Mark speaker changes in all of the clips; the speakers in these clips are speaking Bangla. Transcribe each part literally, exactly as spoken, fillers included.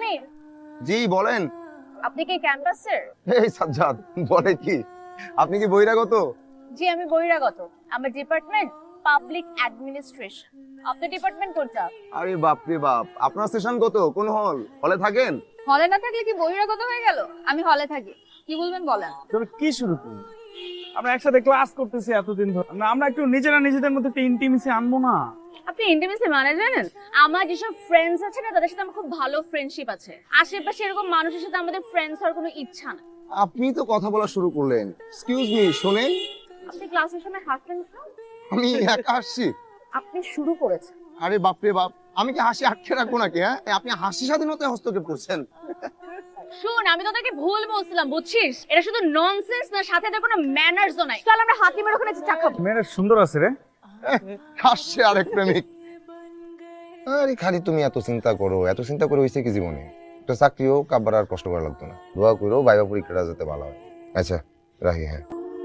Speaker 1: আমির,
Speaker 2: জি বলেন।
Speaker 1: আপনি কি ক্যাম্পাসের?
Speaker 2: এই সাজ্জাদ, বলে কি? আপনি কি বহিরাগত?
Speaker 1: জি আমি বহিরাগত। আমার ডিপার্টমেন্ট পাবলিক অ্যাডমিনিস্ট্রেশন। আপনার ডিপার্টমেন্ট কোনটা?
Speaker 2: আরে বাপ রে বাপ, আপনার সেশন কত? কোন হল? হলে থাকেন?
Speaker 1: হলে না থাকলে কি বহিরাগত হয়ে গেল? আমি হলে থাকি। কি বলবেন বলেন।
Speaker 3: তুমি কি শুরু করলি? আমরা একসাথে ক্লাস করতেছি এতদিন ধরে, না আমরা একটু নিজেরা নিজেদের মধ্যে একটা ইন্টিমেসি আনবো না?
Speaker 1: আপনি ইন্টিমেসি মানে জানেন? আমার যেসব ফ্রেন্ডস আছে না, তাদের সাথে আমার খুব ভালো ফ্রেন্ডশিপ আছে। আশেপাশে এরকম মানুষের সাথে আমাদের ফ্রেন্ডস হওয়ার কোনো ইচ্ছা না।
Speaker 2: আপনি তো কথা বলা শুরু করলেন। এক্সকিউজ মি, শোনেন।
Speaker 1: আপনি ক্লাসের সময় হাসলেন কেন?
Speaker 2: আমি একা হাসছি?
Speaker 1: আপনি শুরু করেছেন।
Speaker 2: আরে বাপ রে বাপ, আমি কি হাসি আটকে রাখবো নাকি? হ্যাঁ, আপনি হাসি স্বাধীনতায় হস্তক্ষেপ করছেন।
Speaker 1: শুন, আমি তোদেরকে ভুল বলছিলাম, বুঝছিস? এটা শুধু ননসেন্স না, সাথে এদের কোনো ম্যানার্সও নাই। চল আমরা হাতিমের ওখানে চা খাবো।
Speaker 3: মেয়েরা সুন্দর আছে রে।
Speaker 2: হাসছে আরেক প্রেমিক। আরে খালি তুমি এত চিন্তা করো, এত চিন্তা করে হইছে কি জীবনে? একটা চাকরি হোক, আবার আর কষ্ট করা লাগতো না। দোয়া করো ভাইবা পরীক্ষাটা যাতে ভালো হয়। আচ্ছা রাখি। হ্যাঁ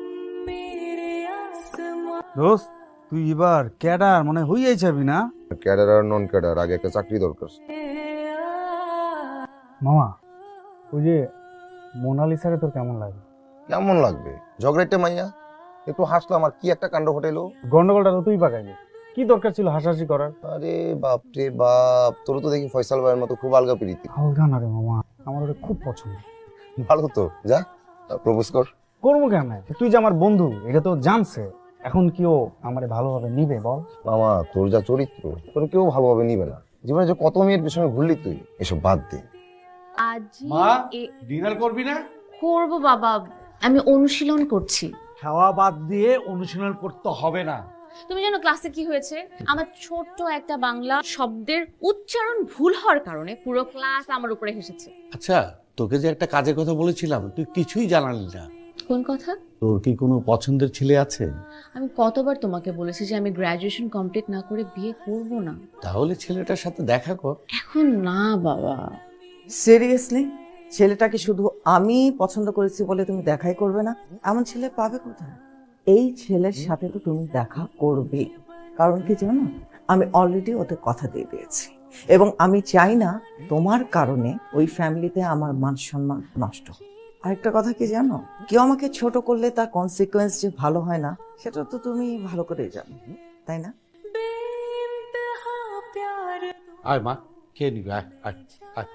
Speaker 4: দোস্ত, তুই এবার ক্যাডার মানে হইয়াই যাবি না?
Speaker 2: ক্যাডার আর নন ক্যাডার, আগে একটা চাকরি দরকার।
Speaker 3: মামা, ওই যে মোনালিসারে তোর কেমন লাগে?
Speaker 2: কেমন লাগবে? ঝগড়াইতে মাইয়া একটু হাসলাম আর কি একটা কাণ্ড ঘটাইলো।
Speaker 3: গন্ডগোলটা তো তুই পাকাইলি, কি দরকার ছিল হাসাহাসি করার?
Speaker 2: আরে বাপ রে বাপ, তোর তো দেখি ফয়সাল ভাইয়ের মতো খুব আলগা প্রীতি।
Speaker 3: হালকা না রে মামা, আমার ওটা খুব পছন্দ।
Speaker 2: ভালো তো, যা প্রপোজ কর।
Speaker 3: করবো কেন? তুই যে আমার বন্ধু এটা তো জানছে, এখন কি ও আমারে ভালোভাবে নিবে বল?
Speaker 2: মামা তোর যা চরিত্র, তোর কেউ ভালোভাবে নিবে না। জীবনে যে কত মেয়ের পিছনে ঘুরলি তুই, এসব বাদ দে।
Speaker 1: আজ
Speaker 4: মা, ডিনার করবি না?
Speaker 1: করব বাবা, আমি অনুশীলন করছি।
Speaker 4: খাওয়া বাদ দিয়ে অনুশীলন করতে হবে না।
Speaker 1: তুমি জানো ক্লাসে কি হয়েছে? আমার ছোট্ট একটা বাংলা শব্দের উচ্চারণ ভুল হওয়ার কারণে পুরো ক্লাস আমার উপরে হেসেছে।
Speaker 5: আচ্ছা, তোকে যে একটা কাজের কথা বলেছিলাম তুই কিছুই জানালি না।
Speaker 1: কোন কথা?
Speaker 5: তোর কি কোনো পছন্দের ছেলে আছে?
Speaker 1: আমি কতবার তোমাকে বলেছি যে আমি গ্র্যাজুয়েশন কমপ্লিট না করে বিয়ে করব না।
Speaker 5: তাহলে ছেলেটার সাথে দেখা কর।
Speaker 1: এখন না বাবা।
Speaker 6: সিরিয়াসলি? ছেলেটাকে শুধু আমি পছন্দ করেছি বলে তুমি দেখাই করবে না? এমন ছেলে পাবে কোথায়? এই ছেলের সাথে তো তুমি দেখা করবে। কারণ কি জানো, আমি অলরেডি ওদের কথা দিয়ে দিয়েছি এবং আমি চাই না তোমার কারণে ওই ফ্যামিলিতে আমার মান সম্মান নষ্ট হোক। আরেকটা কথা কি জানো, কেউ আমাকে ছোট করলে তার কনসিকুয়েন্স যে ভালো হয় না সেটা তো তুমি ভালো করেই জানো, তাই না?
Speaker 5: আয় মা, খেয়ে নিবি, আয় আয় আয়।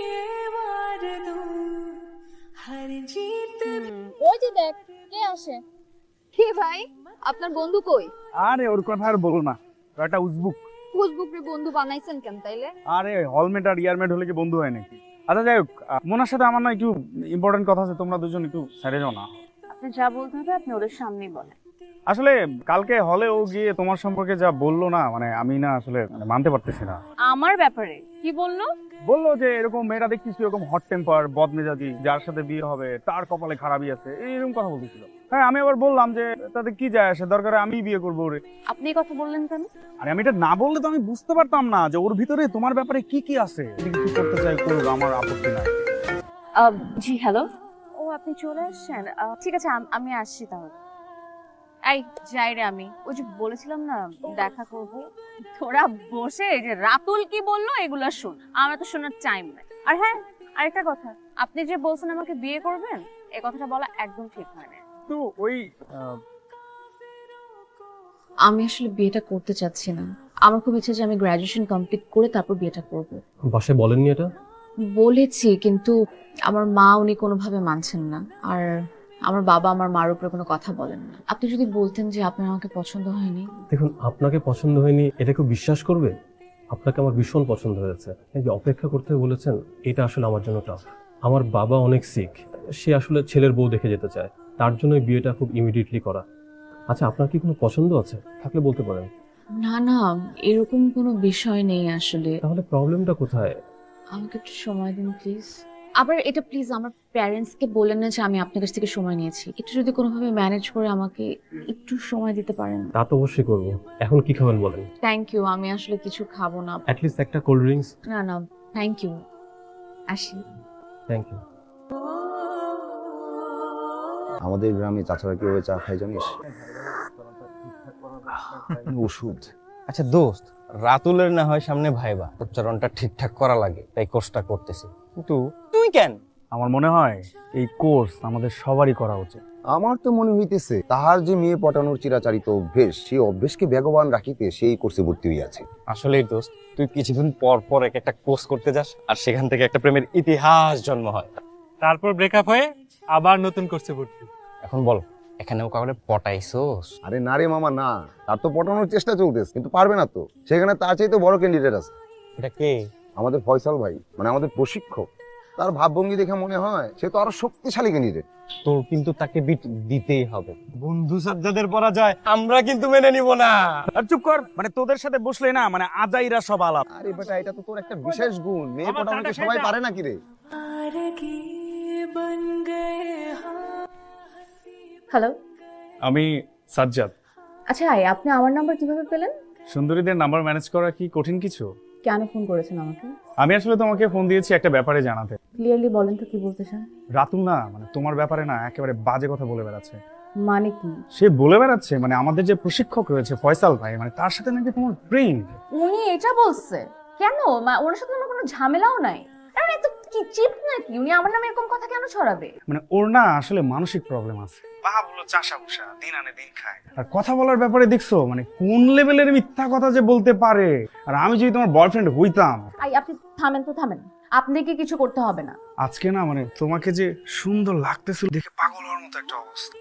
Speaker 1: ওই যে দেখ কে আসে। কি ভাই, আপনার বন্ধু কই?
Speaker 3: আরে ওর কথা আর বলো না, ও একটা উজবুক।
Speaker 1: ফেসবুক রে বন্ধু বানাইছেন কেন তাইলে?
Speaker 3: আরে হলমেট আর ইয়ারমেট হলে কি বন্ধু হয় নাকি? আচ্ছা যাই হোক, মোনার সাথে আমার না একটু ইম্পর্টেন্ট কথা আছে, তোমরা দুজন একটু সাইডে যাও না।
Speaker 1: আপনি যা বলতে হবে আপনি ওদের সামনেই বলেন।
Speaker 3: আসলে কালকে হলে ও গিয়ে তোমার সম্পর্কে যা বললো না, মানে আমি না আসলে মানে মানতে পারতেছি না।
Speaker 1: আমার ব্যাপারে কি বললো?
Speaker 3: বললো যে এরকম মেয়েরা দেখছিস এরকম হট টেম্পার, বদমেজাজি, যার সাথে বিয়ে হবে তার কপালে খারাপই আছে, এইরকম কথা বলতেছিল। হ্যাঁ আমি আবার বললাম যে তাতে কি যায় আসে, দরকারে আমি বিয়ে করবো ওরে।
Speaker 1: আপনি এই কথা বললেন কেন?
Speaker 3: আরে আমি এটা না বললে তো আমি বুঝতে পারতাম না যে ওর ভিতরে তোমার ব্যাপারে কি কি আছে। যদি কিছু করতে চাই করুক, আমার আপত্তি নাই।
Speaker 1: জি হ্যালো। ও আপনি চলে আসছেন? আহ, ঠিক আছে আম- আমি আসছি তাহলে। এই যাই রে, আমি ওই যে বলেছিলাম না দেখা করব। তোরা বসে এই যে রাতুল কি বললো এগুলা শোন, আমার তো শোনার টাইম নাই। আর হ্যাঁ আরেকটা কথা, আপনি যে বলছেন আমাকে বিয়ে করবেন, এই কথাটা বলা একদম ঠিক হয় না।
Speaker 3: তো ওই
Speaker 1: আমি আসলে বিয়েটা করতে চাচ্ছি না। আমার খুব ইচ্ছে যে আমি গ্র্যাজুয়েশন কমপ্লিট করে তারপর বিয়েটা করব।
Speaker 7: বাসায় বলেননি এটা?
Speaker 1: বলেছি, কিন্তু আমার মা উনি কোনোভাবে মানছেন না। আর আমার বাবা আমার মার উপরে কোনো কথা বলেন না। আপনি যদি বলতেন যে আপনার আমাকে পছন্দ হয়নি।
Speaker 7: দেখুন, আপনাকে পছন্দ হয়নি এটা কেউ বিশ্বাস করবে? আপনাকে আমার ভীষণ পছন্দ হয়েছে। এই যে অপেক্ষা করতে বলেছেন, এটা আসলে আমার জন্য টাফ। আমার বাবা অনেক সিক, সে আসলে ছেলের বউ দেখে যেতে চায়, তার জন্য বিয়েটা খুব ইমিডিয়েটলি করা। আচ্ছা, আপনার কি কোনো পছন্দ আছে? থাকলে বলতে পারেন।
Speaker 1: না না, এরকম কোনো বিষয় নেই আসলে।
Speaker 7: তাহলে প্রবলেমটা কোথায়?
Speaker 1: আমাকে একটু সময় দিন প্লিজ। আবার এটা প্লিজ আমার প্যারেন্টসকে বলেন না যে আমি আপনার কাছ থেকে সময় নিয়েছি। একটু যদি কোনোভাবে ম্যানেজ করে আমাকে একটু সময় দিতে পারেন।
Speaker 7: তা তো অবশ্যই করবো। এখন কি খাবেন বলেন?
Speaker 1: থ্যাংক ইউ, আমি আসলে কিছু খাবো না।
Speaker 7: অ্যাটলিস্ট একটা কোল্ড ড্রিঙ্কস।
Speaker 1: না না থ্যাংক ইউ, আসি।
Speaker 7: Thank you.
Speaker 2: আমাদের গ্রামে চাচারা কিভাবে চা খায় জানিস? ওষুধ
Speaker 8: আচ্ছা দোস্ত, রাতুলের না হয় সামনে ভাইবা, উচ্চারণটা ঠিকঠাক করা লাগে, তাই কোর্সটা করতেছি, কিন্তু তুই কেন?
Speaker 3: আমার মনে হয় এই কোর্স আমাদের সবারই করা উচিত।
Speaker 2: আমার তো মনে হইতেছে তাহার যে মেয়ে পটানোর চিরাচারিত অভ্যেস, সেই অভ্যেসকে বেগবান রাখিতে সেই কোর্সে ভর্তি হইয়াছে।
Speaker 8: আসলেই দোস্ত, তুই কিছুদিন পর পর এক একটা কোর্স করতে যাস, আর সেখান থেকে একটা প্রেমের ইতিহাস জন্ম হয়,
Speaker 9: তারপর ব্রেকআপ হয়ে আবার নতুন করছে ভর্তি।
Speaker 8: এখন বল, এখানেও কাউকে পটাইছোস?
Speaker 2: আরে না রে মামা না, তার তো পটানোর চেষ্টা চলতেছে, কিন্তু পারবে না তো। সেখানে তার চাইতে বড় ক্যান্ডিডেট আছে।
Speaker 8: এটা কে?
Speaker 2: আমাদের ফয়সাল ভাই, মানে আমাদের প্রশিক্ষক। তার ভাবভঙ্গি দেখে মনে হয় সে তো আরো শক্তিশালী ক্যান্ডিডেট।
Speaker 8: তোর কিন্তু তাকে বিট দিতেই হবে। বন্ধু সাজ্জাদের পরা যায়, আমরা কিন্তু মেনে নিব না।
Speaker 3: আর চুপ কর, মানে তোদের সাথে বসলে না মানে আজাইরা সব আলাপ।
Speaker 2: আরে বেটা, এটা তো তোর একটা বিশেষ গুণ। মেয়ে পটানোকে সবাই পারে নাকি রে?
Speaker 1: হ্যালো।
Speaker 3: আমি সাজ্জাদ।
Speaker 1: আচ্ছা ভাই, আপনি আমার নাম্বার কিভাবে পেলেন?
Speaker 3: সুন্দরীদের নাম্বার ম্যানেজ করা কি কঠিন কিছু?
Speaker 1: কেন ফোন করেছেন আমাকে?
Speaker 3: আমি আসলে তোমাকে ফোন দিয়েছি একটা ব্যাপারে জানাতে।
Speaker 1: ক্লিয়ারলি বলেন তো কি বলতে চান।
Speaker 3: রাতুল না মানে তোমার ব্যাপারে না একেবারে বাজে কথা বলে বেড়াচ্ছে।
Speaker 1: মানে কি?
Speaker 3: সে বলে বেড়াচ্ছে মানে আমাদের যে প্রশিক্ষক রয়েছে ফয়সাল ভাই, মানে তার সাথে নাকি তোমার প্রেম।
Speaker 1: উনি এটা বলছে? কেন? মা- ওনার সাথে আমার কোনো ঝামেলাও নাই। আরে এত কি চিপ নাকি? উনি আমার নামে এরকম কথা কেন ছড়াবে?
Speaker 3: মানে ওর না আসলে মানসিক প্রবলেম আছে। বাবা বলো চাষা ভুষা, দিন আনে দিন খায়। আর কথা বলার ব্যাপারে দেখছো মানে কোন লেভেলের মিথ্যা কথা যে বলতে পারে। আর আমি যদি তোমার বয়ফ্রেন্ড হইতাম।
Speaker 1: আই আপনি থামেন তো থামেন, আপনাকে কিছু করতে হবে না।
Speaker 3: আজকে না মানে তোমাকে যে সুন্দর লাগতেছিল দেখে পাগল হওয়ার মতো একটা অবস্থা।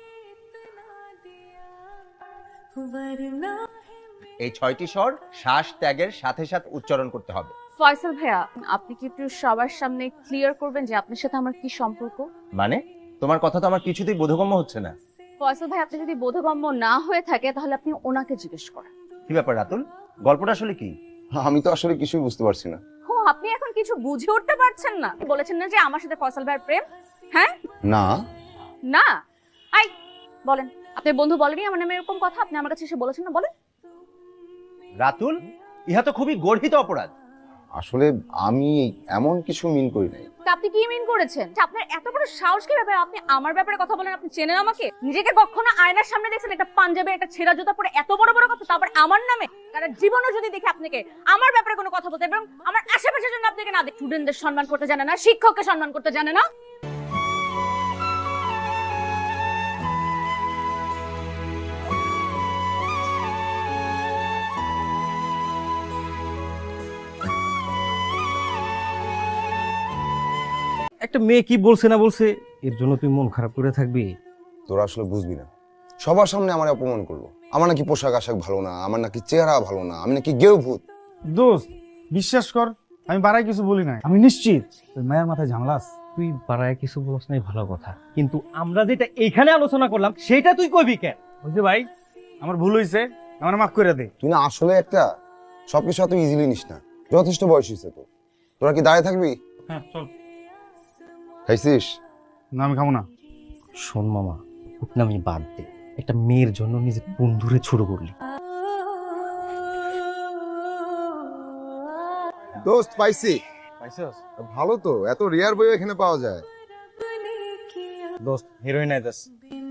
Speaker 10: এই ছয়টি স্বর শ্বাস ত্যাগের সাথে সাথে উচ্চারণ করতে হবে।
Speaker 1: ফয়সাল ভাইয়া, আপনি কি একটু সবার সামনে ক্লিয়ার করবেন যে আপনার সাথে আমার কি সম্পর্ক?
Speaker 10: মানে তোমার কথা তো আমার কিছুতেই বোধগম্য হচ্ছে না।
Speaker 1: ফয়সাল ভাই, আপনি যদি বোধগম্য না হয়ে থাকে তাহলে আপনি ওনাকে জিজ্ঞেস করেন।
Speaker 10: কি ব্যাপার রাতুল, গল্পটা আসলে কি?
Speaker 2: আমি তো আসলে কিছুই বুঝতে পারছি না।
Speaker 1: ও, আপনি এখন কিছু বুঝে উঠতে পারছেন না? বলেছেন না যে আমার সাথে ফয়সাল ভাইয়ের প্রেম? হ্যাঁ
Speaker 2: না
Speaker 1: না। আই বলেন, আপনার বন্ধু বলেনি আমার নামে এরকম কথা? আপনি আমার কাছে এসে বলেছেন না, বলেন।
Speaker 10: রাতুল, ইহা তো খুবই গর্হিত অপরাধ।
Speaker 2: আসলে আমি এমন কিছু মিন করি নাই।
Speaker 1: তা আপনি কি মিন করেছেন? আপনার এত বড় সাহস কি ব্যাপারে আপনি আমার ব্যাপারে কথা বলেন? আপনি চেনেন আমাকে? নিজেকে কখনো আয়নার সামনে দেখছেন একটা পাঞ্জাবে একটা ছেঁড়া জুতা পরে এত বড় বড় কথা, তারপর আমার নামে? কারণ জীবনে যদি দেখে আপনাকে আমার ব্যাপারে কোনো কথা বলতে এবং আমার আশেপাশের জন্য আপনাকে না দেখে, স্টুডেন্টদের সম্মান করতে জানে না, শিক্ষককে সম্মান করতে জানে না।
Speaker 8: একটা মেয়ে কি বলছে না বলছে এর জন্য তুই মন খারাপ করে থাকবি?
Speaker 2: তোরা আসলে বুঝবি না। সবার সামনে আমার অপমান করলো। আমার নাকি পোশাক আশাক ভালো না, আমার নাকি চেহারা ভালো না, আমি নাকি গেও ভূত।
Speaker 3: দোস্ত বিশ্বাস কর, আমি বাড়াই কিছু বলি নাই। আমি নিশ্চিত তোর মায়ের মাথায় ঝামেলা আছে।
Speaker 8: তুই পাড়ায় কিছু বলছ নাই, ভালো কথা, কিন্তু আমরা যেটা এইখানে আলোচনা করলাম সেটা তুই কইবি কেন?
Speaker 3: বুঝলি ভাই, আমার ভুল হয়েছে, আমার মাফ করে দে।
Speaker 2: তুই না আসলে একটা সবকিছু এত ইজিলি নিস না। যথেষ্ট বয়স হয়েছে তো। তোরা কি দাঁড়িয়ে থাকবি?
Speaker 3: হ্যাঁ চল।
Speaker 2: খাইছিস?
Speaker 3: না আমি খাবো না।
Speaker 8: শোন মামা, উঠনামি বাদ দে, একটা মেয়ের জন্য নিজের বন্ধুরে ছোট করলি।
Speaker 2: দোস্ত পাইছি।
Speaker 8: পাইছস?
Speaker 2: ভালো তো, এত রেয়ার বই এখানে পাওয়া যায়।
Speaker 8: দোস্ত হিরোইন আইতাস।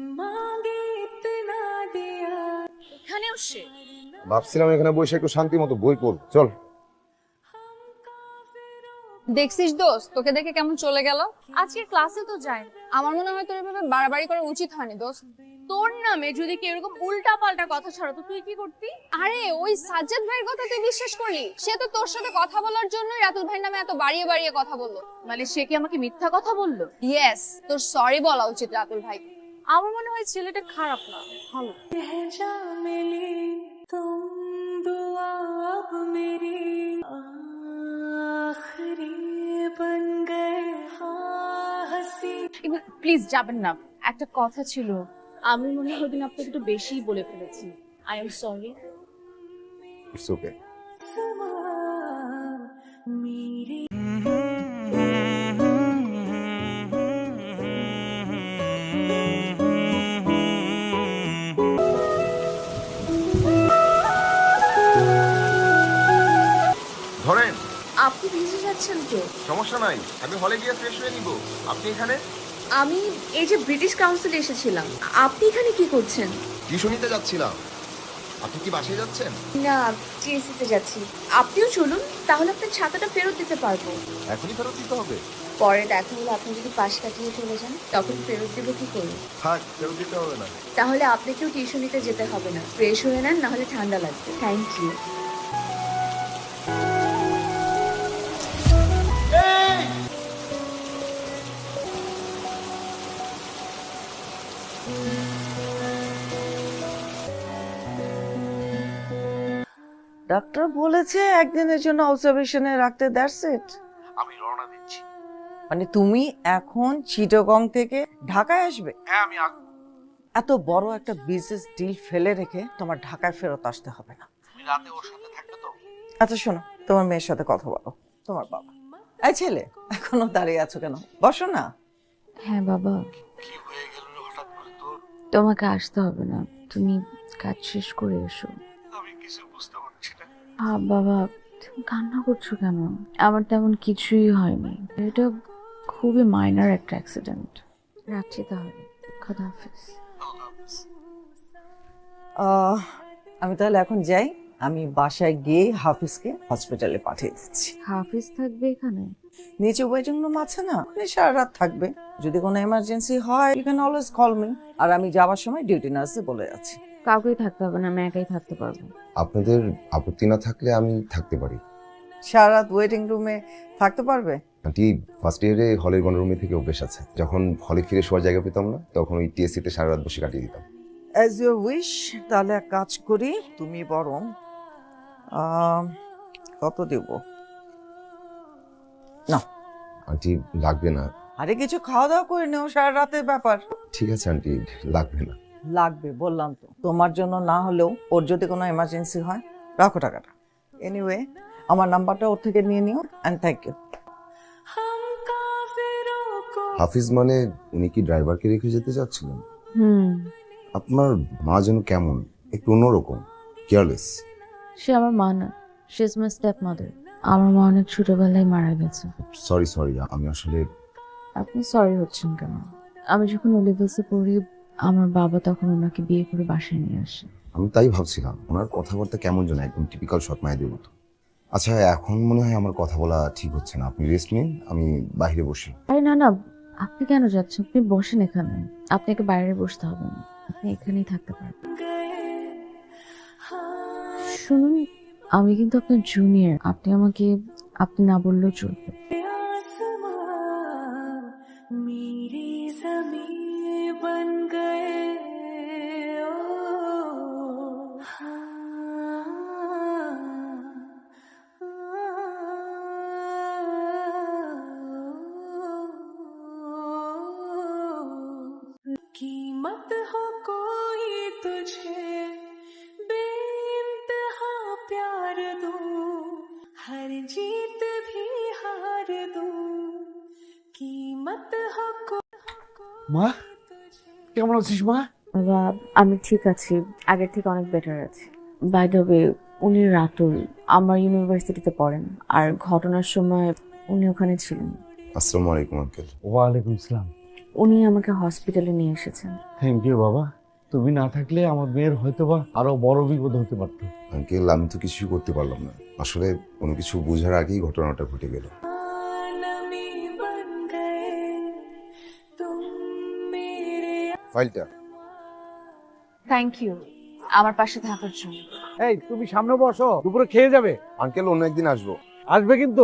Speaker 1: এখানেও সে?
Speaker 2: ভাবছিলাম এখানে বসে একটু শান্তি মতো বই পড়ব। চল।
Speaker 11: দেখছিস দোস্ত, তোকে দেখে কেমন চলে গেল? আজকে ক্লাসে তো যাই। আমার মনে হয় তোর এভাবে বাড়াবাড়ি করা উচিত হয়নি দোস্ত।
Speaker 1: তোর নামে যদি কেউ এরকম উল্টা পাল্টা কথা ছড়াতো তুই কি করতি?
Speaker 11: আরে ওই সাজ্জাদ ভাইয়ের কথা তুই বিশ্বাস করলি? সে তো তোর সাথে কথা বলার জন্য রাতুল ভাইয়ের নামে এত বাড়িয়ে বাড়িয়ে কথা বললো।
Speaker 1: মানে সে কি আমাকে মিথ্যা কথা বললো?
Speaker 11: ইয়েস, তোর সরি বলা উচিত রাতুল ভাই।
Speaker 1: আমার মনে হয় ছেলেটা খারাপ না, ভালো। প্লিজ যাবেন না, একটা কথা ছিল। আমি মনে হয় দিন আপনাকে একটু বেশিই বলে ফেলেছি। I am sorry.
Speaker 2: It's okay. ধরেন।
Speaker 1: আপনি ভিজে যাচ্ছেন তো?
Speaker 2: সমস্যা নাই, আমি হলে গিয়ে ফ্রেশ হয়ে নিব। আপনি এখানে?
Speaker 1: আমি এই যে ব্রিটিশ কাউন্সিলে এসেছিলাম। আপনি এখানে কি করছেন?
Speaker 2: টিউশনিতে যাচ্ছিলাম। আপনি কি বাসায় যাচ্ছেন?
Speaker 1: না, টিএসসিতে যাচ্ছি। আপনিও চলুন, তাহলে আপনার ছাতাটা ফেরত দিতে পারবো।
Speaker 2: এখনই ফেরত দিতে হবে?
Speaker 1: পরে দেখা হলে আপনি যদি পাশ কাটিয়ে চলে যান, তখন ফেরত দেবো কি করে?
Speaker 2: থাক, ফেরত দিতে হবে না।
Speaker 1: তাহলে আপনাকেও টিউশন নিতে যেতে হবে না। ফ্রেশ হয়ে নেন, নাহলে ঠান্ডা লাগবে। Thank you.
Speaker 6: ডাক্তার বলেছে একদিনের জন্য অবজারভেশনে রাখতে, দ্যাটস ইট।
Speaker 3: আমি রওনা দিচ্ছি।
Speaker 6: মানে তুমি এখন চিটাগং থেকে ঢাকায় আসবে?
Speaker 3: হ্যাঁ আমি আসবো।
Speaker 6: এত বড় একটা বিজনেস ডিল ফেলে রেখে তোমার ঢাকায় ফেরত আসতে হবে না।
Speaker 3: তুমি রাতে ওর সাথে থাকবে তো?
Speaker 6: আচ্ছা শোনো, তোমার মেয়ের সাথে কথা বলো। তোমার বাবা। এই ছেলে, এখনো দাঁড়িয়ে আছো কেন? বসো না।
Speaker 1: হ্যাঁ বাবা,
Speaker 3: কি হয়ে গেল রে হঠাৎ করে তোর?
Speaker 1: তোমাকে আসতে হবে না, তুমি কাজ শেষ করে এসো।
Speaker 3: আমি কিছু বুঝতে পারছি না।
Speaker 1: হ্যাঁ বাবা, তুমি কান্না করছো কেন? আমার তেমন কিছুই হয়নি, এটা খুবই মাইনার একটা অ্যাক্সিডেন্ট। রাখছি তাহলে, খোদা হাফেজ।
Speaker 6: আহ, আমি তাহলে এখন যাই। আমি বাসায় গিয়ে হাফিজকে হসপিটালে পাঠিয়ে দিচ্ছি।
Speaker 1: হাফিজ থাকবে এখানে?
Speaker 6: নিচে ওয়েটিং রুম আছে না, ওখানে সারা রাত থাকবে। যদি কোনো এমার্জেন্সি হয় you can always call me. আর আমি যাওয়ার সময় ডিউটি নার্সে বলে যাচ্ছি।
Speaker 1: কাউকেই থাকতে হবে না, আমি একাই থাকতে পারবো।
Speaker 2: আপনাদের আপত্তি না থাকলে আমি থাকতে পারি।
Speaker 6: সারা রাত ওয়েটিং রুমে থাকতে পারবে?
Speaker 2: আন্টি ফার্স্ট ইয়ারে হলের গণরুমে থেকে অভ্যেস আছে। যখন হলে ফিরে শোয়ার জায়গা পেতাম না, তখন ওই টিএসসিতে সারা রাত বসে কাটিয়ে দিতাম।
Speaker 6: As your wish. তাহলে এক কাজ করি, তুমি বরং আহ, কত দেব না?
Speaker 2: আন্টি লাগবে না।
Speaker 6: আরে কিছু খাওয়া দাওয়া করে নেও, সারা রাতের ব্যাপার।
Speaker 2: ঠিক আছে আন্টি, লাগবে না।
Speaker 6: লাগবে বললাম তো। তোমার জন্য না হলেও ওর যদি কোনো এমার্জেন্সি হয়, রাখো টাকাটা। এনিওয়ে, আমার নাম্বারটা ওর থেকে নিয়ে নিও। And thank you.
Speaker 2: হাফিজ মানে উনি কি ড্রাইভারকে রেখে যেতে চাচ্ছিলেন?
Speaker 1: হুম।
Speaker 2: আপনার মা যেন কেমন, একটু অন্যরকম, কেয়ারলেস।
Speaker 1: সে আমার মা না, she is my stepmother. আমার মা অনেক ছোটবেলায় মারা গেছে।
Speaker 2: সরি সরি, আমি আসলে।
Speaker 1: আপনি সরি হচ্ছেন কেন? আমি যখন ও লেভেলসে পড়ি, আমার বাবা তখন ওনাকে বিয়ে করে বাসায় নিয়ে আসে।
Speaker 2: আমি তাই ভাবছিলাম, ওনার কথাবার্তা কেমন যেন একদম টিপিক্যাল সৎ মায়েদের মতো। আচ্ছা, এখন মনে হয় আমার কথা বলা ঠিক হচ্ছে না। আপনি রেস্ট নিন, আমি বাইরে বসি।
Speaker 1: আরে না না, আপনি কেন যাচ্ছেন? আপনি বসেন এখানে। আপনাকে বাইরে বসতে হবে না, আপনি এখানেই থাকতে পারবেন। শুনুন, আমি কিন্তু আপনার জুনিয়র। আপনি আমাকে আপনি না বললেও চলবে।
Speaker 12: कीमत हो कोई तुझे बेइंतहा प्यार दूं, हर जीत भी हार दूं, कीमत हो
Speaker 3: মা, কেমন আছিস মা?
Speaker 1: বাবা, আমি ঠিক আছি, আগের থেকে অনেক বেটার আছি। বাই দ্য ওয়ে, উনি রাতুল আমার ইউনিভার্সিটিতে পড়েন, আর ঘটনার সময় উনি ওখানে ছিলেন।
Speaker 2: আসসালামু আলাইকুম আঙ্কেল।
Speaker 3: ওয়ালাইকুম আসসালাম।
Speaker 1: উনি আমাকে হসপিটালে নিয়ে এসেছেন।
Speaker 3: থ্যাংক ইউ বাবা। তুমি না থাকলে আমার মেয়ের হয়তো বা আরো বড় বিপদ হতে পারতো।
Speaker 2: আঙ্কেল, আমি তো কিছুই করতে পারলাম না। আসলে কোনো কিছু বোঝার আগেই ঘটনাটা ঘটে গেল। ফাইলটা।
Speaker 1: থ্যাংক ইউ আমার পাশে থাকার জন্য।
Speaker 3: এই তুমি সামনে বসো, দুপুরে খেয়ে যাবে।
Speaker 2: আঙ্কেল, অন্য একদিন আসবো।
Speaker 3: আসবে কিন্তু।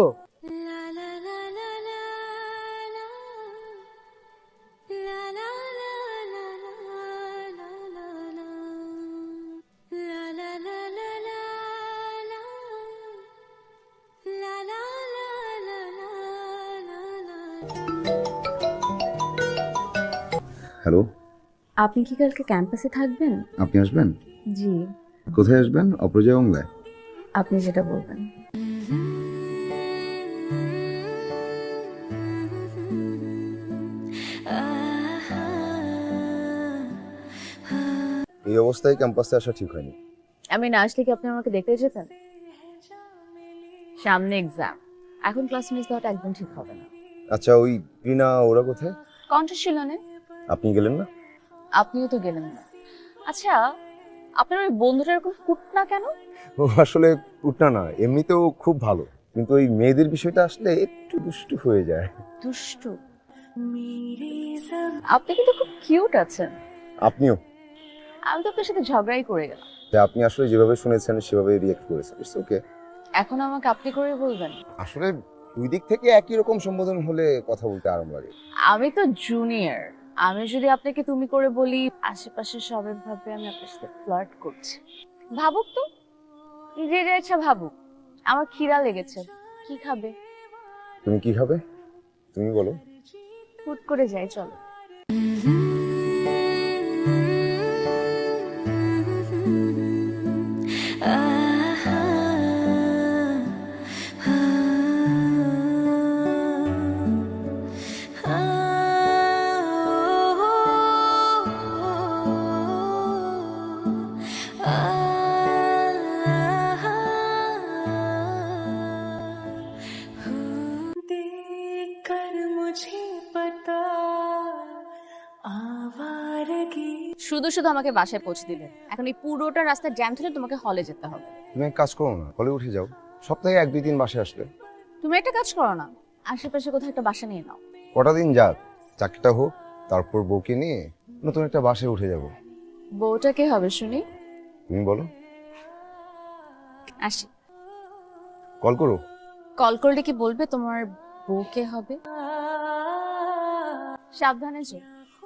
Speaker 2: হ্যালো,
Speaker 1: আপনি কি কালকে ক্যাম্পাসে থাকবেন?
Speaker 2: আপনি আসবেন?
Speaker 1: জি।
Speaker 2: কোথায় আসবেন? অপরাজয় বাংলায়?
Speaker 1: আপনি যেটা বলবেন।
Speaker 2: এই অবস্থায় ক্যাম্পাসে আসা ঠিক হয়নি।
Speaker 1: আমি না আসলে কি আপনি আমাকে দেখতে যেতেন? সামনে এক্সাম, এখন ক্লাস মিস দেওয়াটা একদম ঠিক হবে না।
Speaker 2: আচ্ছা, ওই রিনা ওরা কোথায়?
Speaker 1: কণ্ঠশীলনে।
Speaker 2: আপনি গেলেন না?
Speaker 1: আপনিও তো গেলেন না। আচ্ছা, আপনার ওই বন্ধুটা এরকম কুটনা কেন?
Speaker 2: ও আসলে উঠনা না, এমনিতেও খুব ভালো, কিন্তু ওই মেয়েদের বিষয়টা আসলে একটু দুষ্টু হয়ে যায়।
Speaker 1: দুষ্টু? আপনি কিন্তু খুব কিউট আছেন।
Speaker 2: আপনিও।
Speaker 1: আমি তো আপনার সাথে ঝগড়াই করে গেলাম।
Speaker 2: যে আপনি আসলে যেভাবে শুনেছেন সেভাবে রিয়েক্ট করেছেন, ইটস ওকে।
Speaker 1: এখন আমাকে আপনি করে বলবেন?
Speaker 2: আসলে দুই দিক থেকে একই রকম সম্বোধন হলে কথা বলতে আরাম লাগে।
Speaker 1: আমি তো জুনিয়র, আমি যদি আপনাকে তুমি করে বলি আশেপাশে সবাই ভাবে আমি আপনার সাথে ফ্লার্ট করছি। ভাবুক তো, যে যা ইচ্ছা ভাবুক। আমার খিদা লেগেছে, কি খাবে?
Speaker 2: তুমি কি খাবে তুমি বলো।
Speaker 1: হুট করে যাই, চলো। শুধু শুধু আমাকে বাসায় পৌঁছে দিলে, এখন এই পুরোটা রাস্তা জ্যাম ধরে তোমাকে হলে যেতে হবে।
Speaker 2: তুমি এক কাজ করো না, হলে উঠে যাও, সপ্তাহে এক দুই দিন বাসায় আসলে।
Speaker 1: তুমি একটা কাজ করো না, আশেপাশে কোথাও একটা বাসা নিয়ে নাও।
Speaker 2: কটা দিন যাক, চাকরিটা হোক, তারপর বউকে নিয়ে নতুন একটা বাসায় উঠে যাব।
Speaker 1: বউটা কে হবে শুনি?
Speaker 2: তুমি বলো।
Speaker 1: আসি।
Speaker 2: কল করো।
Speaker 1: কল করলে কি বলবে তোমার বউ কে হবে? সাবধানে যে।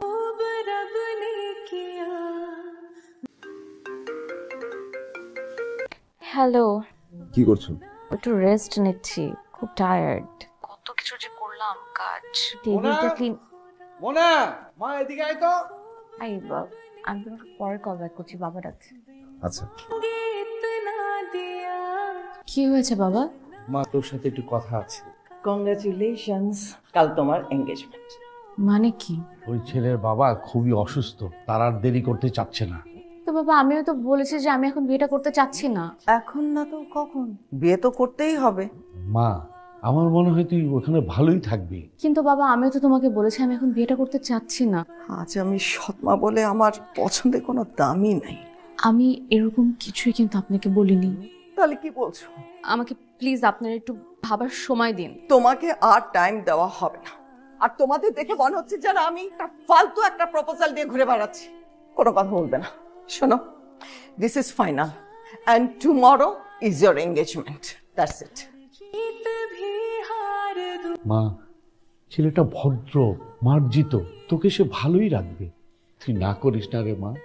Speaker 1: হ্যালো।
Speaker 2: কি করছো?
Speaker 1: একটু রেস্ট নিচ্ছি, খুব টায়ার্ড। কত কিছু যে করলাম কাজ, টেবিলটা ক্লিন।
Speaker 5: মোনা, মা এদিকে আয় তো।
Speaker 1: আই বাবা, আমি তোমাকে পরে কল ব্যাক করছি, বাবা ডাকছে।
Speaker 2: আচ্ছা।
Speaker 1: কি হয়েছে বাবা?
Speaker 5: মা তোর সাথে একটু কথা আছে।
Speaker 6: কংগ্রাচুলেশনস, কাল তোমার এনগেজমেন্ট।
Speaker 1: মানে কি?
Speaker 5: ওই ছেলের বাবা খুবই অসুস্থ, তার আর দেরি করতে চাচ্ছে না।
Speaker 1: তো বাবা আমিও তো বলেছি যে আমি এখন বিয়েটা করতে চাচ্ছি না।
Speaker 6: এখন না তো কখন? বিয়ে তো করতেই হবে।
Speaker 5: মা, আমার মনে হয় তুই ওখানে ভালোই থাকবি।
Speaker 1: কিন্তু বাবা আমিও তো তোমাকে বলেছি আমি এখন বিয়েটা করতে চাচ্ছি না।
Speaker 6: আজ আমি সৎমা বলে আমার পছন্দের কোনো দামই নাই।
Speaker 1: আমি এরকম কিছুই কিন্তু আপনাকে বলিনি।
Speaker 6: তাহলে কি বলছো?
Speaker 1: আমাকে প্লিজ আপনারা একটু ভাবার সময় দিন।
Speaker 6: তোমাকে আর টাইম দেওয়া হবে না। আর তোমাদের দেখে মনে হচ্ছে যেন আমি একটা ফালতু একটা প্রপোজাল দিয়ে ঘুরে বেড়াচ্ছি। কোনো কথা বলবে না। শোনো, this is final and tomorrow is your engagement, that's it.
Speaker 5: মা, ছেলেটা ভদ্র মার্জিত, তোকে সে ভালোই রাখবে। তুই না করিস না রে মা।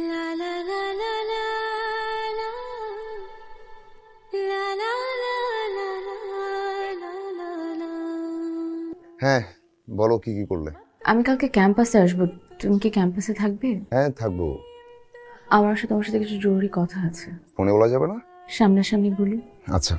Speaker 2: হ্যাঁ বলো, কি কি করলে?
Speaker 1: আমি কালকে ক্যাম্পাসে আসবো, তুমি কি ক্যাম্পাসে থাকবে?
Speaker 2: হ্যাঁ থাকবো।
Speaker 1: আমার সাথে তোমার সাথে কিছু জরুরি কথা আছে।
Speaker 2: ফোনে বলা যাবে না?
Speaker 1: সামনাসামনি বলি।
Speaker 2: আচ্ছা।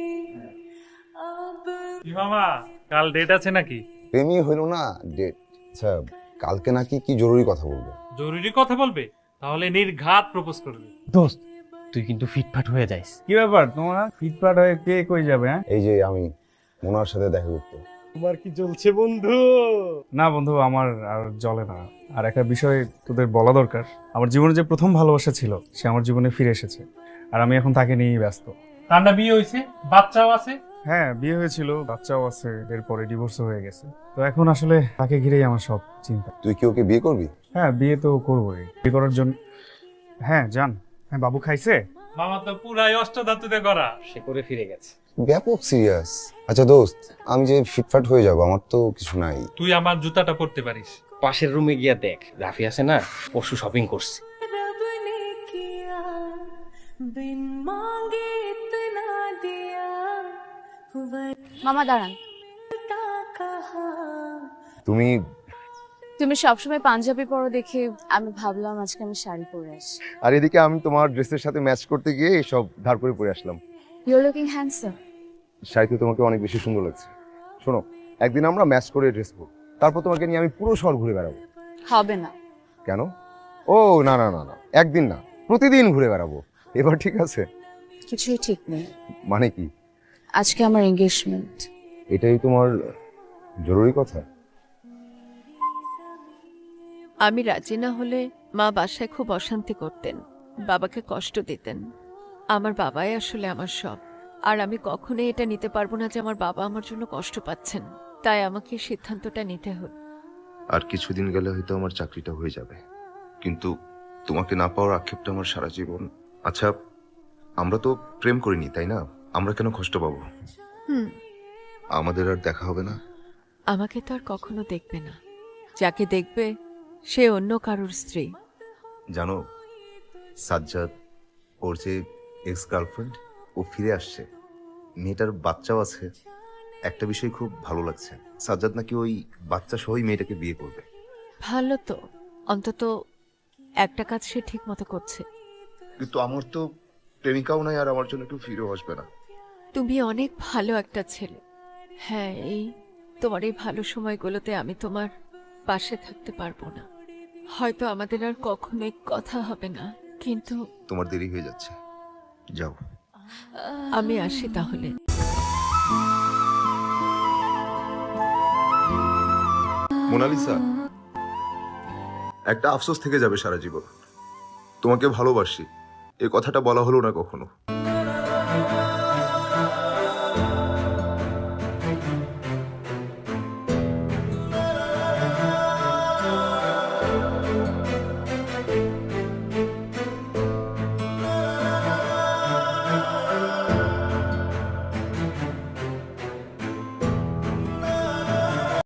Speaker 9: কি মামা, কাল ডেট আছে নাকি?
Speaker 2: প্রেমই হইল না, ডেট। আচ্ছা, কালকে নাকি কি জরুরি কথা বলবো?
Speaker 9: জরুরি কথা বলবে? তাহলে নির্ঘাত প্রপোজ করবে।
Speaker 8: দোস্ত তুই কিন্তু ফিটফাট হয়ে যাইস।
Speaker 3: কি ব্যাপার তোমার? ফিটফাট হয়ে কে কই যাবে? হ্যাঁ,
Speaker 2: এই যে আমি মোনার সাথে দেখা করতে।
Speaker 8: তোমার কি চলছে বন্ধু?
Speaker 3: না বন্ধু, আমার আর চলে না। আর একটা বিষয় তোদের বলা দরকার, আমার জীবনে যে প্রথম ভালোবাসা ছিল সে আমার জীবনে ফিরে এসেছে, আর আমি এখন তাকে নিয়েই ব্যস্ত।
Speaker 9: কান্না বিয়ে হয়েছে, বাচ্চাও আছে?
Speaker 3: হ্যাঁ, বিয়ে হয়েছিল, বাচ্চাও আছে, এরপরে ডিভোর্স হয়ে গেছে। তো এখন আসলে তাকে ঘিরেই আমার সব চিন্তা।
Speaker 2: তুই কি ওকে বিয়ে করবি?
Speaker 3: হ্যাঁ, বিয়ে তো করবোই। বিয়ে করার জন্য হ্যাঁ জান। হ্যাঁ, বাবু খাইছে?
Speaker 9: মামা তো পুরাই অষ্টধাতুতে করা।
Speaker 8: সে করে ফিরে গেছে।
Speaker 2: ব্যাপক সিরিয়াস। আচ্ছা দোস্ত, আমি যে ফিটফাট হয়ে যাব, আমার তো কিছু নাই।
Speaker 9: তুই আমার জুতাটা পরতে পারিস।
Speaker 8: পাশের রুমে গিয়া দেখ, রাফি আছে না, পরশু শপিং করছে।
Speaker 1: মামা দাঁড়ান।
Speaker 2: তুমি
Speaker 1: তুমি সবসময় পাঞ্জাবি পরো দেখে আমি ভাবলাম আজকে আমি শাড়ি পরে আসি।
Speaker 2: আর এদিকে আমি তোমার ড্রেসের সাথে ম্যাচ করতে গিয়ে সব ধার করে পরে আসলাম।
Speaker 1: You are looking handsome.
Speaker 2: শাড়িতে তোমাকে অনেক বেশি সুন্দর লাগছে। শোনো, একদিন আমরা ম্যাচ করে ড্রেস পরব, তারপর তোমাকে নিয়ে আমি পুরো শহর ঘুরে বেড়াবো।
Speaker 1: হবে না।
Speaker 2: কেন? ও না না না না, একদিন না, প্রতিদিন ঘুরে বেড়াবো। এবার ঠিক আছে?
Speaker 1: কিছুই ঠিক নেই।
Speaker 2: মানে কি?
Speaker 1: আজকে আমার এনগেজমেন্ট।
Speaker 2: এটাই তোমার জরুরি কথা?
Speaker 13: আমি রাজি না হলে মা বাসায় খুব অশান্তি করতেন। বাবাকে কষ্ট দিতেন। আমার বাবাই আসলে আমার সব। আর আমি কখনোই এটা নিতে পারবো না যে আমার বাবা আমার জন্য কষ্ট পাচ্ছেন। তাই আমাকে সিদ্ধান্তটা নিতে হলো।
Speaker 2: আর কিছুদিন গেলে হয়তো আমার চাকরিটা হয়ে যাবে, কিন্তু তোমাকে না পাওয়ার আক্ষেপটা আমার সারা জীবন। আচ্ছা, আমরা তো প্রেম করিনি, তাই না? আমরা কেন কষ্ট পাবো?
Speaker 13: হুম,
Speaker 2: আমাদের আর দেখা হবে না?
Speaker 13: আমাকে তো আর কখনো দেখবে না। যাকে দেখবে সে অন্য কারোর স্ত্রী।
Speaker 2: জানো, সাজ্জাদ, ওর যে এক্স গার্লফ্রেন্ড, ও ফিরে আসছে। মেয়েটার বাচ্চাও আছে। একটা বিষয় খুব ভালো লাগছে, সাজ্জাদ নাকি ওই বাচ্চা সহই মেয়েটাকে বিয়ে করবে।
Speaker 13: ভালো তো, অন্তত একটা কাজ সে ঠিক মতো করছে।
Speaker 2: কিন্তু আমার তো প্রেমিকাও নাই, আর আমার জন্য একটু ফিরেও আসবে না।
Speaker 13: তুমি অনেক ভালো একটা ছেলে। হ্যাঁ, এই তোমার এই ভালো সময়গুলোতে আমি তোমার পাশে থাকতে পারবো না। হয়তো আমাদের আর কখনোই কথা হবে না, কিন্তু
Speaker 2: তোমার দেরি হয়ে যাচ্ছে, যাও।
Speaker 13: আমি আসি তাহলে।
Speaker 2: মোনালিসা, একটা আফসোস থেকে যাবে সারা জীবন। তোমাকে ভালোবাসি, এ কথাটা বলা হলো না কখনো।